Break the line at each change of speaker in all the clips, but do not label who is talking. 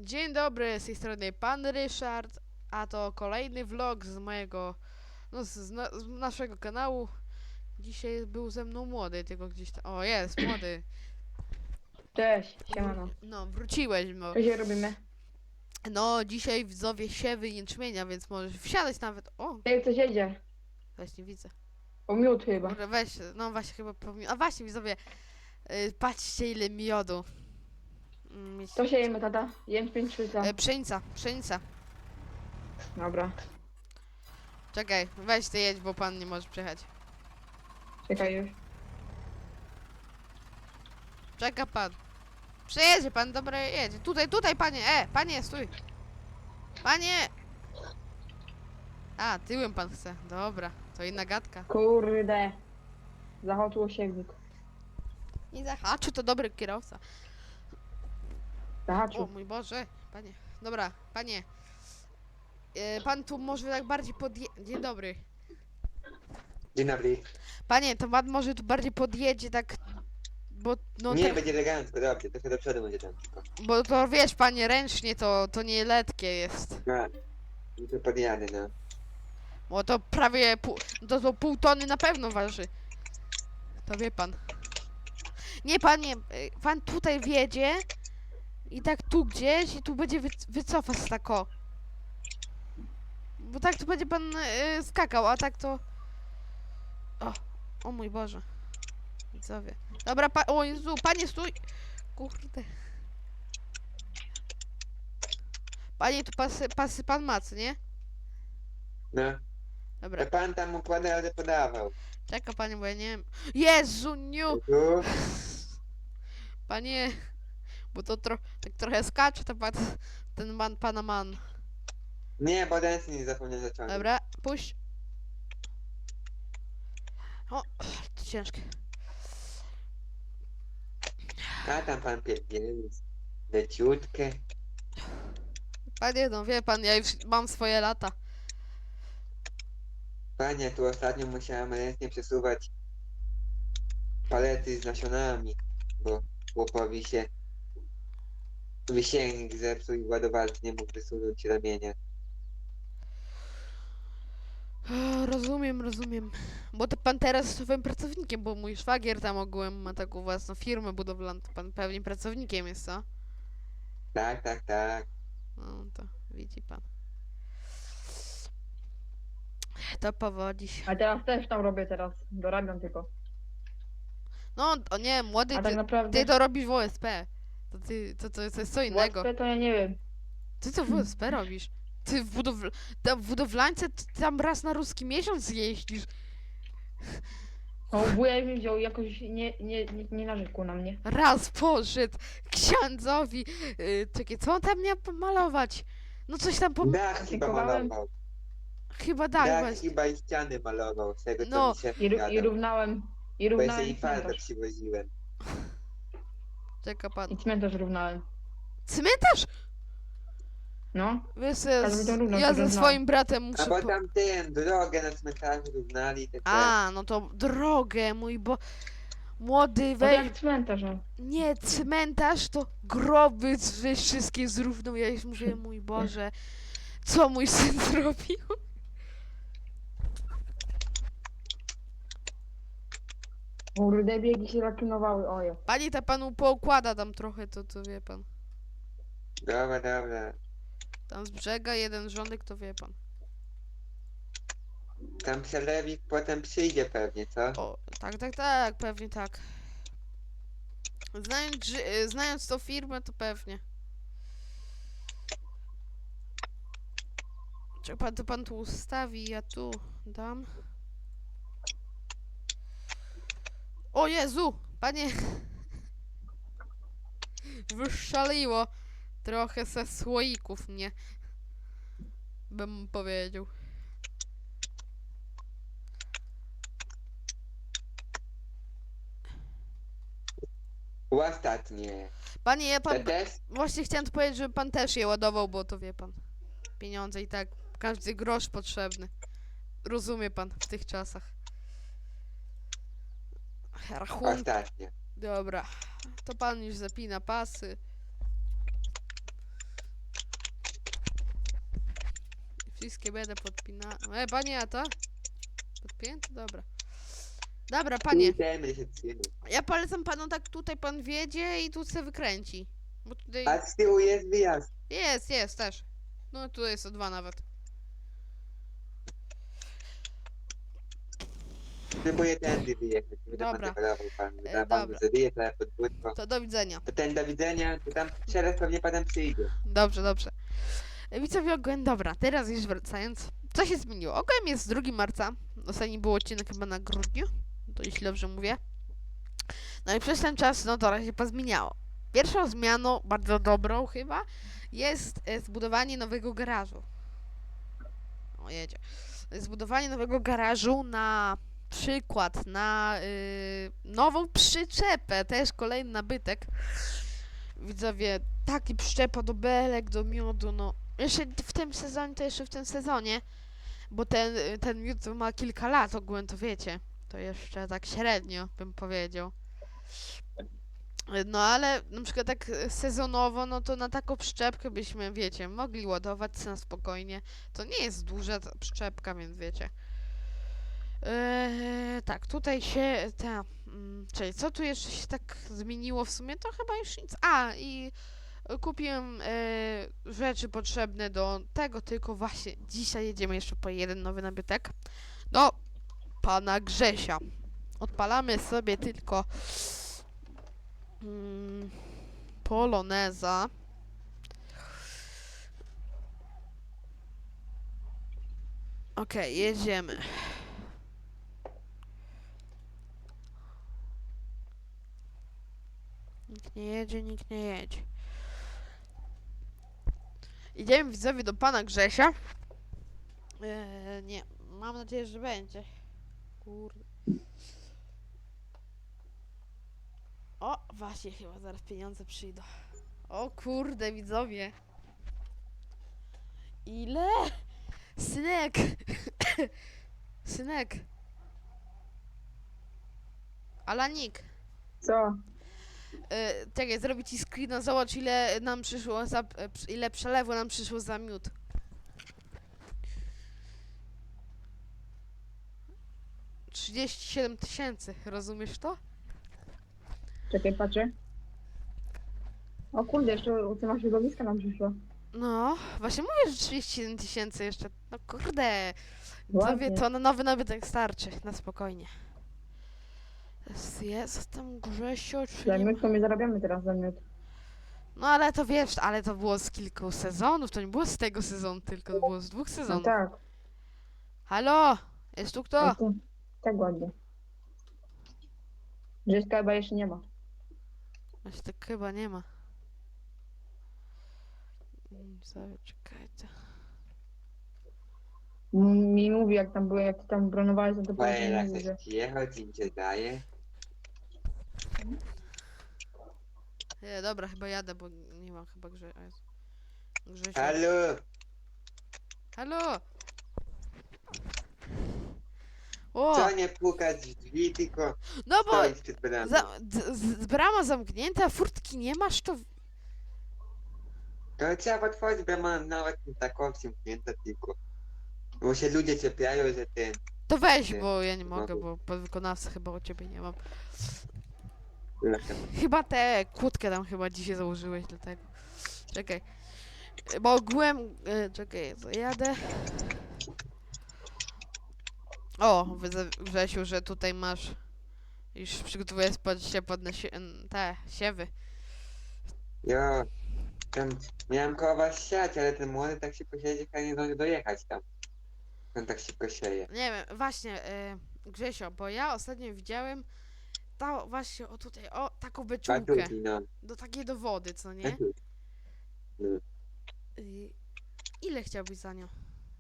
Dzień dobry, z tej strony pan Ryszard, a to kolejny vlog z mojego, z naszego kanału. Dzisiaj był ze mną młody, tylko gdzieś tam, o jest, młody.
Cześć, siemano.
No, wróciłeś, no.
Co dzisiaj robimy?
No, dzisiaj widzowie siewy jęczmienia, więc możesz wsiadać nawet, o,
Ej, coś jedzie.
właśnie widzę.
O miód chyba.
Może weź, no właśnie chyba, a właśnie widzowie, patrzcie ile miodu.
Co siejemy, tata? Jęczmień czy co?
Pszenica.
Dobra,
Czekaj, weź ty jedź, bo pan nie może przejechać.
czekaj już.
Czeka pan. Przejedzie pan, dobra, jedzie. Tutaj, panie, panie, stój. Panie! A, tyłem pan chce. Dobra, to inna gadka.
Kurde. Zachoczyło siewnik.
Nie zahaczy, to dobry kierowca. O
Zahaczył.
mój Boże, panie. Dobra, panie. Pan tu może tak bardziej Dzień dobry.
Dzień dobry.
Panie, to pan może tu bardziej podjedzie, tak... Bo, no
Nie,
te,
będzie elegancko, dobrze, trochę do przodu będzie tam tylko.
bo to wiesz, panie, ręcznie to nie letkie jest.
No, to podjadę, no.
Bo to prawie to pół tony na pewno waży. To wie pan. Nie, panie, pan tutaj wjedzie i tak tu gdzieś i tu będzie wycofać tako. Bo tak tu będzie pan skakał, a tak to... O mój Boże. Widzowie. Dobra, o Jezu, panie stój! Kurde. Panie, tu pasy pan ma, co nie?
No,
Dobra,
to pan tam układa, ale podawał.
czeka panie, bo ja nie wiem. Jezu, niu!
Tu,
Panie, bo to tak trochę skacze ten pana man.
nie, bo ręce nie zapomniałem zaciągnąć.
Dobra, puść. O, to ciężkie.
A tam pan pierdzieli, leciutkie.
Panie, no wie pan, ja już mam swoje lata.
Panie, tu ostatnio musiałem ręcznie przesuwać palety z nasionami, bo chłopowi się wisiennik zepsuł i ładowarki nie mógł wysunąć ramienia.
Rozumiem. Bo to pan teraz jest swoim pracownikiem, bo mój szwagier tam ogółem ma taką własną firmę budowlaną. To pan pewnie pracownikiem jest, co?
Tak, tak, tak.
No to widzi pan. To powodzi się.
A teraz też tam robię teraz. Dorabiam tylko.
No, o nie, młody,
A tak
ty
naprawdę...
to robisz w OSP. To jest co innego.
WSP to ja nie wiem.
Ty co w OSP robisz? Ty w budowlańce tam raz na ruski miesiąc jeździsz.
O, wuja mi wziął jakoś nie narzekł na mnie.
Raz poszedł księdzowi. Czekaj, co on tam miał pomalować? No coś tam
Dach chyba
Dziękowałem.
malował.
chyba tak
Dach
właśnie.
chyba i ściany malował, z tego co
No.
mi się
I
gadał.
równałem. I
Bo ja
równałem
sobie farbę
cmentarz.
przywoziłem.
Czeka pan.
I cmentarz równałem.
Cmentarz?
No.
Wiesz,
Ale to równo,
ja
to
ze
równo.
swoim bratem
A
muszę...
bo tam drogę na cmentarzu równali, te
A, no to drogę, młody,
No
weź...
jak cmentarz, no.
Nie, cmentarz to groby, że wszystkie zrównał. Ja już mówię, mój Boże, co mój syn zrobił?
Kurde, biegi się zaklinowały, ojo.
Pani ta panu poukłada tam trochę, to wie pan.
Dobra.
Tam z brzega jeden rządek, to wie pan.
Tam przelewik potem przyjdzie pewnie, co?
O, tak, pewnie tak. Znając tą firmę, to pewnie. Czy pan tu ustawi, ja tu dam. O Jezu! Panie! Wyszaliło. Trochę ze słoików mnie. Bym powiedział.
Ostatnie.
Panie, ja
Te
pan...
też?
Właśnie chciałem tu powiedzieć, żeby pan też je ładował, bo to wie pan. Pieniądze i tak. Każdy grosz potrzebny. Rozumie pan w tych czasach. Rachunki.
Ostatnie.
Dobra. To pan już zapina pasy. Wszystkie będę podpinał. Panie, a to? Podpięte? Dobra. Dobra, panie.
Idziemy się trzymać.
Ja polecam panu tak tutaj pan wiedzie i tu se wykręci. Bo tutaj
A z tyłu jest wyjazd.
jest też. No tu jest o 2 nawet.
Próbuję tędy wyjechać. Nie będę
Dobra.
manewrował pan. Da pan
dobra.
zabije trochę podwórko.
To do widzenia.
To ten do widzenia, to tam szereg pewnie panem przyjdzie.
Dobrze, dobrze. Widzowie ogółem, dobra, teraz już wracając. Co się zmieniło? Ogółem jest 2 marca. Ostatni był odcinek chyba na grudniu. To jeśli dobrze mówię. No i przez ten czas, no trochę się pozmieniało. Pierwszą zmianą, bardzo dobrą chyba, jest zbudowanie nowego garażu. O, jedzie. Zbudowanie nowego garażu na przykład na nową przyczepę, też kolejny nabytek. Widzowie, taki przyczepa do belek, do miodu, no. Jeszcze w tym sezonie, to jeszcze w tym sezonie, bo ten miód ma kilka lat ogólnie, to wiecie. To jeszcze tak średnio, bym powiedział. No ale na przykład tak sezonowo, no to na taką przyczepkę byśmy, wiecie, mogli ładować na spokojnie. To nie jest duża ta przyczepka, więc wiecie. Tak, tutaj się czyli co tu jeszcze się tak zmieniło w sumie? To chyba już nic. A, i kupiłem rzeczy potrzebne do tego, tylko właśnie dzisiaj jedziemy jeszcze po jeden nowy nabytek. Do pana Grzesia. Odpalamy sobie tylko Poloneza. Okej, jedziemy. Nikt nie jedzie, nikt nie jedzie. Idziemy widzowie do pana Grzesia. Nie, mam nadzieję, że będzie. Kurde. O, właśnie chyba zaraz pieniądze przyjdą. O kurde, widzowie. Ile? Synek! Synek! Alanik!
Co?
Czekaj, zrobię ci screena, zobacz ile nam przyszło za, ile przelewu nam przyszło za miód. $37,000, rozumiesz to?
Czekaj, patrzę. O kurde, jeszcze u tego środowiska nam przyszło.
No, właśnie mówię, że 37,000 jeszcze. No kurde.
Ładnie.
Sobie to na nowy nabytek starczy, na spokojnie. Jest tam Grzesio,
Za
czyli...
miód to my zarabiamy teraz za miód.
No ale to wiesz, ale to było z kilku sezonów, to nie było z tego sezonu, tylko to było z 2
No
sezonów.
tak.
Halo? Jest tu kto?
No to, tak ładnie. Grześka chyba jeszcze nie ma.
Właśnie tak chyba nie ma. Sobie czekajcie.
Mi mówi jak tam były, jak ty tam bronowałeś, no to
Panie,
powiedział,
jak
mówi, że...
chcesz jechać, im się daje.
Nie, dobra, chyba jadę, bo nie mam chyba Grzesia.
Halo!
Halo? O!
Co nie pukać w drzwi, tylko
No bo
stoić przed bramą.
brama zamknięta, furtki nie masz, to...
To trzeba otworzyć bramę nawet nie taką zamknięta tylko. Bo się ludzie czepiają, że ten...
To weź,
Nie,
bo ja nie
nie
mogę,
mogę.
bo podwykonawcy chyba u ciebie nie mam.
Lecem.
Chyba tę kłódkę tam chyba dzisiaj założyłeś, dlatego. Czekaj. Bo ogółem... czekaj, zajadę. O, Grzesiu, że tutaj masz... Już przygotowuję się pod te siewy.
Jo, tam miałem koło was siać, ale ten młody tak szybko siedzie, że nie zdąży dojechać tam. On tak szybko sieje.
Nie wiem, właśnie, Grzesio, bo ja ostatnio widziałem właśnie, o tutaj, o, taką beczułkę.
Patuki, no.
Do takiej do wody, co nie?
Patuki. No.
Ile chciałbyś za nią?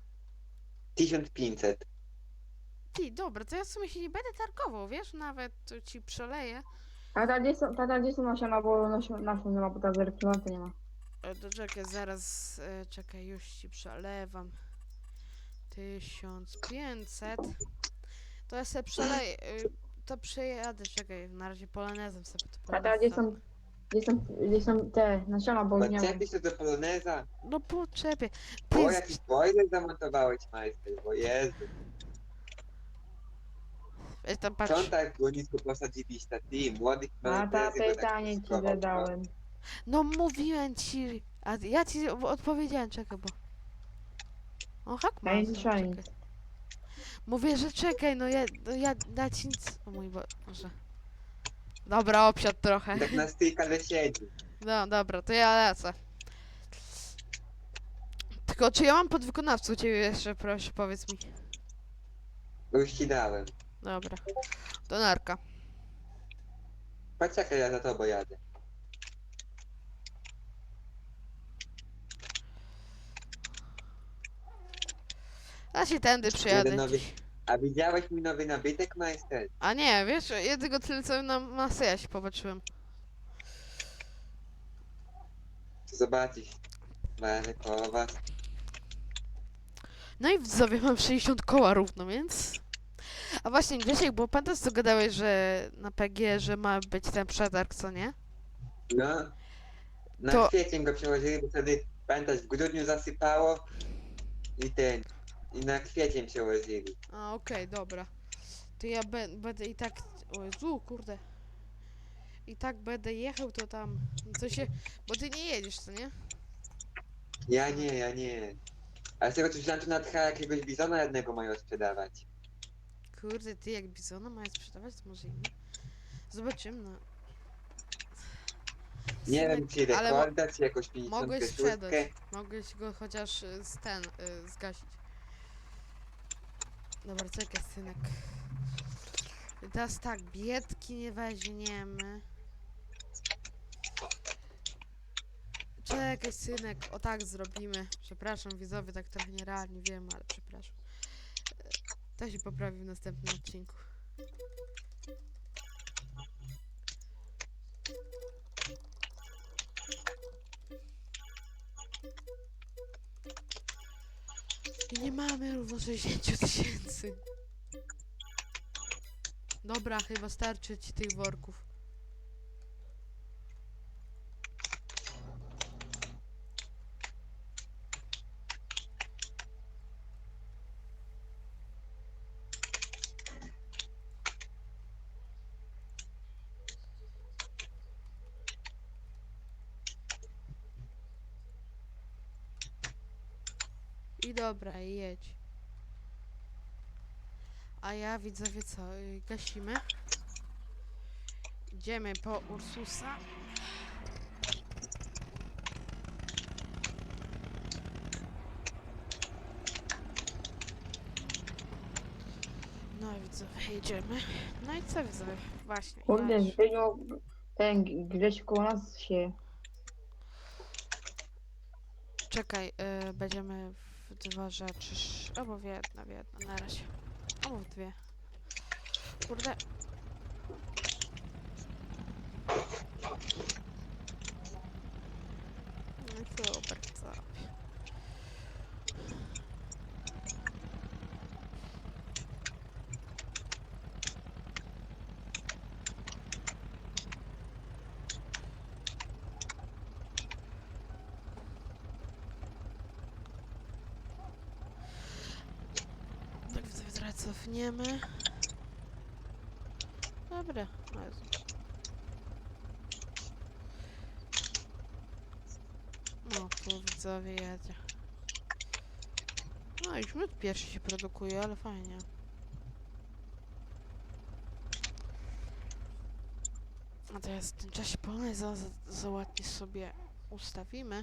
1500.
Ty, dobra, to ja w sumie się nie będę targował, wiesz? Nawet to ci przeleję.
Tata, gdzie są nasiona, bo nasion nie ma, bo ta zerknięta nie ma.
To czekaj, zaraz, czekaj, już ci przelewam. 1500. To ja sobie przeleję, to przejadę, czekaj, na razie polonezem sobie to
Tata, gdzie są... Gdzie są te nasiona, bo już nie mam.
Podczepisz to do poloneza?
No poczepie.
O, jakiś boiler zamontowałeś, majster, bo Jezu.
Weź tam
Co
patrz.
on tak go nisko posadziliście? Ty, młodych
A ta
mężczyzn, bo tak
pytanie ci
skował,
zadałem.
No mówiłem ci. A ja ci odpowiedziałem, czekaj, bo. O, hak ma.
Ja nie słyszałem
Czekaj. Mówię, że czekaj, ja ci nic. O mój Boże. Dobra, obsiadł trochę.
Tak na stykale siedzi.
No dobra, to ja lecę. Tylko czy ja mam podwykonawcę u ciebie jeszcze, proszę, powiedz mi.
Już ci dałem.
Dobra. To narka.
Poczekaj, ja za tobą jadę.
Ja się tędy przyjadę.
Jeden nowy-
dziś.
A widziałeś mój nowy nabytek, majster?
A nie, wiesz, ja tylko tyle co na Maseja się popatrzyłem.
To zobaczysz. Będę koło was.
No i widzowie, mam 60 koła równo, więc... A właśnie, Grzesiek, bo pamiętasz co gadałeś, że na PG, że ma być ten przetarg, co nie?
No. Na
To-
kwiecień go przełożyli, bo wtedy, pamiętasz, w grudniu zasypało i ten. I na kwiecień przełożyli.
A, okej, dobra. To ja będę i tak... O Jezu, kurde. I tak będę jechał, to tam... Co się... Bo ty nie jedziesz, co nie?
Ja nie. A z tego co myślałem, to na tcha jakiegoś bizona jednego mają sprzedawać.
Kurde, ty jak bizona mają sprzedawać, to może inny. Zobaczymy, no.
Nie
Synek,
wiem, czy
ale
rekorda, czy jakąś
mogłeś
56.
sprzedać. Mogłeś go chociaż zgasić. Dobra, czekaj, synek. I teraz tak, biedki nie weźmiemy. Czekaj, synek, o tak zrobimy. Przepraszam, widzowie, tak trochę nierealnie wiem, ale przepraszam. To się poprawi w następnym odcinku. I nie mamy równo 60 000. Dobra, chyba starczy ci tych worków. I dobra, i jedź. A ja widzowie co, gasimy. Idziemy po Ursusa. No i widzowie, jedziemy. No i co widzowie? Właśnie.
Kurde,
właśnie.
Zbyniu, ten gdzieś koło nas się...
Czekaj, będziemy w dwa rzeczy. Albo w jedno, na razie. Albo w dwie. Kurde. No i super, co? Tak, widzowie, teraz cofniemy. Dobra, o Jezu. No, tu widzowie jedzie. No, już minut pierwszy się produkuje, ale fajnie. A teraz w tym czasie polnej za ładnie sobie ustawimy.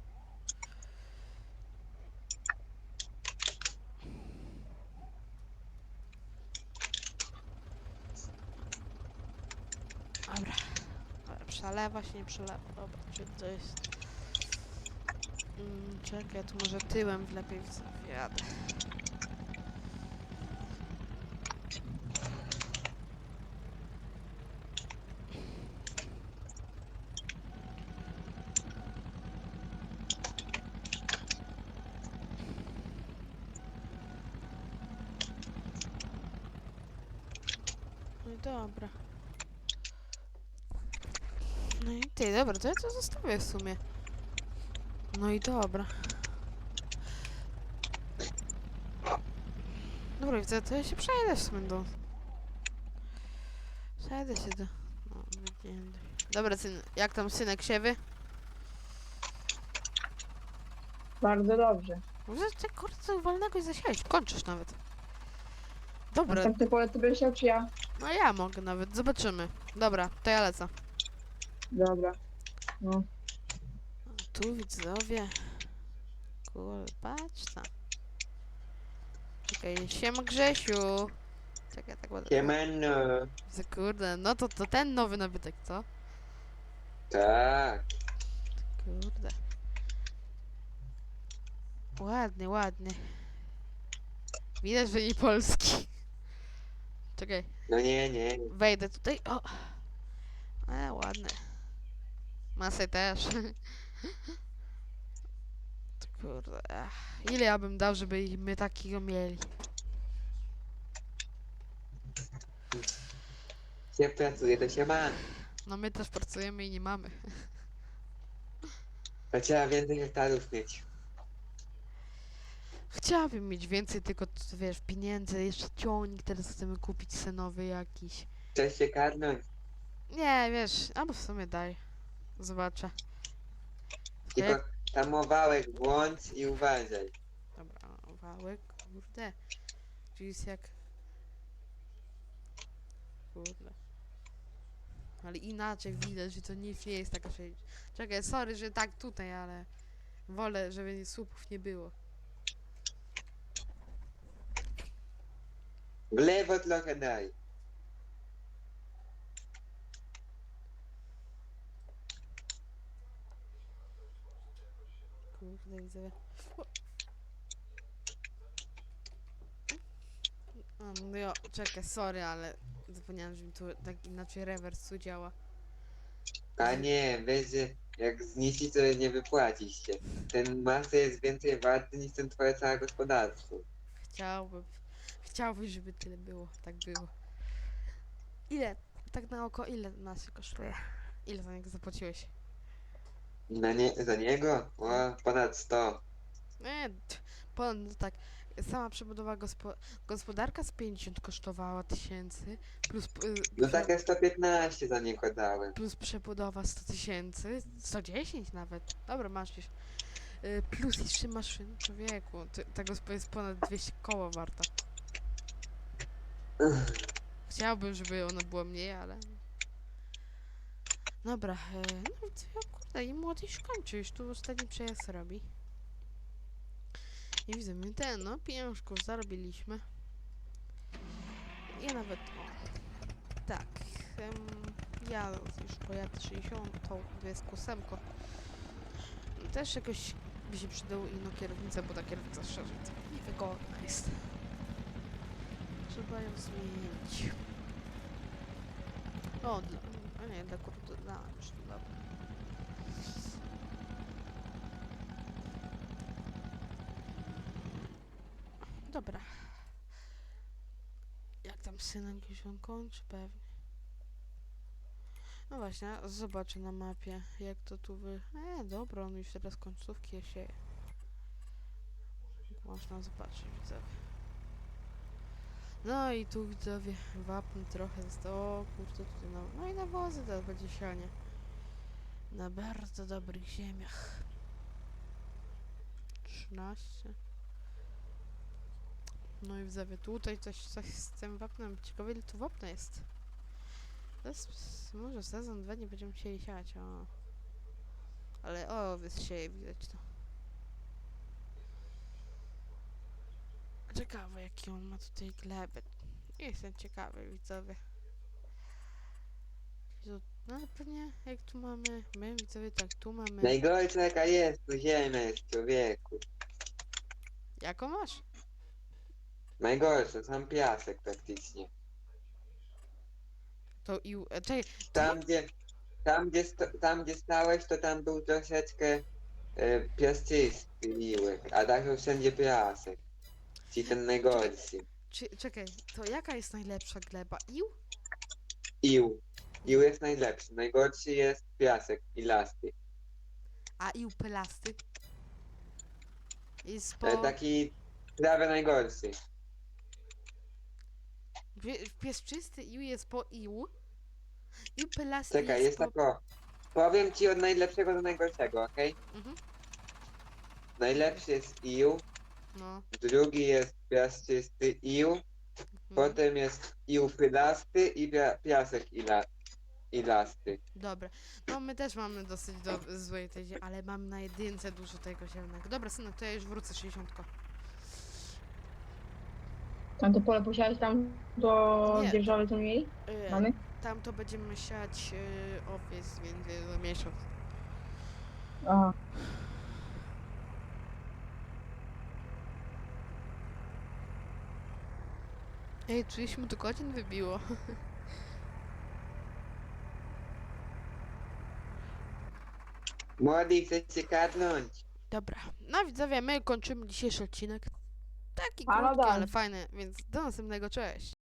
Dobra. Przelewa się, nie przelewa. Dobra, czy to jest... czekaj, tu może tyłem wlepiej jadę. No i dobra. No i ty, dobra, to ja to zostawię w sumie. No i dobra. Dobra, widzę, to ja się przejdę w sumie do... Przejdę się do... No, wygięty. Dobra, syn, jak tam synek siewy?
Bardzo dobrze.
Może ty kurde co wolnego i zasiałeś, kończysz nawet. Dobra,
Następny pole ty będziesz chciał, czy ja?
no ja mogę nawet, zobaczymy. Dobra, to ja lecę.
Dobra. No.
Tu widzowie. Kurde, patrz tam. Czekaj, siema Grzesiu. Czekaj, tak ładnie.
Siemano.
Widzę, kurde, no to ten nowy nabytek, co?
Tak.
Kurde. Ładnie, ładnie. Widać, że nie polski. Czekaj,
No nie.
wejdę tutaj. O! Ładne. Masę też. To kurde. Ile ja bym dał, żeby my takiego mieli?
Się pracuje, to się ma.
No my też pracujemy i nie mamy.
To trzeba więcej hektarów mieć.
Chciałabym mieć więcej, tylko wiesz, pieniędzy, jeszcze ciągnik teraz chcemy kupić senowy jakiś.
Chcesz się karnąć?
Nie, wiesz, albo w sumie daj. Zobaczę.
Tylko tamowałek włącz i uważaj.
Dobra, wałek, kurde. Czyli jest jak... Kurde. Ale inaczej widać, że to nie jest taka się... Czekaj, sorry, że tak tutaj, ale... Wolę, żeby słupów nie było.
W lewo trochę daj.
Kurde, widzę. No jo, czekaj, sorry, ale zapomniałem, że mi tu tak inaczej rewers tu działa.
A nie, wiesz, że jak zniszczyć, to nie wypłacisz się. Ten masę jest więcej warty niż ten twoje całe gospodarstwo.
Chciałbym, żeby tyle było, tak było. Ile, tak na oko, ile nas się kosztuje? Ile za niego zapłaciłeś?
Za niego? O, ponad 100.
Nie, no tak, sama przebudowa gospodarka z 50 kosztowała tysięcy, plus,
No takie 115 za niego dałem.
plus przebudowa 100 tysięcy, 110 nawet. Dobra, masz już. Plus jeszcze maszyn, człowieku, ta gospa jest ponad 200 koła warta. Chciałbym, żeby ona była mniej, ale... Dobra, no co, kurde, i młody już kończy, już tu ostatni przejazd robi. I widzę, my no, pieniążków zarobiliśmy. Ja nawet, tak, ja już pojadę 60, to jest ósemko. Też jakoś by się przydało inną kierownicę, bo ta kierownica szczerze niewygodna jest. Trzeba ją zmienić. O, a nie, dla kurde, już dobra. Dobra. Jak tam synek już on kończy pewnie. No właśnie, zobaczę na mapie, jak to tu dobra, on już teraz końcówki sieje. Można zobaczyć, widzowie. No i tu widzowie, wapń trochę zostało, o kurczę, tutaj no i nawozy teraz będzie sianie. Na bardzo dobrych ziemiach. 13. No i widzowie, tutaj coś z tym wapnem, ciekawe ile tu wapna jest. To jest, może sezon 2 nie będziemy chcieli siać, o. Ale o, wysieje, widać to. Ciekawe jaki on ma tutaj glebę. Jestem ciekawy, widzowie. No ale pewnie jak tu mamy, my widzowie tak tu mamy.
Najgorsza jaka jest, tu ziemia jest, człowieku.
Jaką masz?
Najgorsza, sam piasek praktycznie.
To i... Czekaj,
Tam gdzie stałeś, to tam był troszeczkę piaszczysty miłek, a tak to wszędzie piasek. Czyli ten najgorszy.
czekaj, to jaka jest najlepsza gleba? Ił?
Ił. ił jest najlepszy. Najgorszy jest piasek i lasty.
A ił pelasty? Jest
Taki prawie najgorszy.
Pieszczysty ił jest po ił. Ił pelasty
Czekaj, jest
po...
tak o. Powiem ci od najlepszego do najgorszego, okej?
Mhm.
Najlepszy jest ił,
No.
drugi jest piaszczysty ił,
Mhm.
potem jest ił pylasty i piasek i lasty.
Dobra. No my też mamy dosyć złej tej, ale mam na jedynce dużo tego zielonego. Dobra, synek, to ja już wrócę 60.
Tam to pole posiałeś tam do
Nie.
dzierżawy, co mieli? Mamy?
Tam to będziemy siać owiec, więc za miesiąc.
Aha.
Ej, 30 godzin wybiło.
Młody, chcecie kadnąć?
Dobra. No widzowie, my kończymy dzisiejszy odcinek. Taki
A no
krótki,
tak.
ale fajny, więc do następnego, cześć.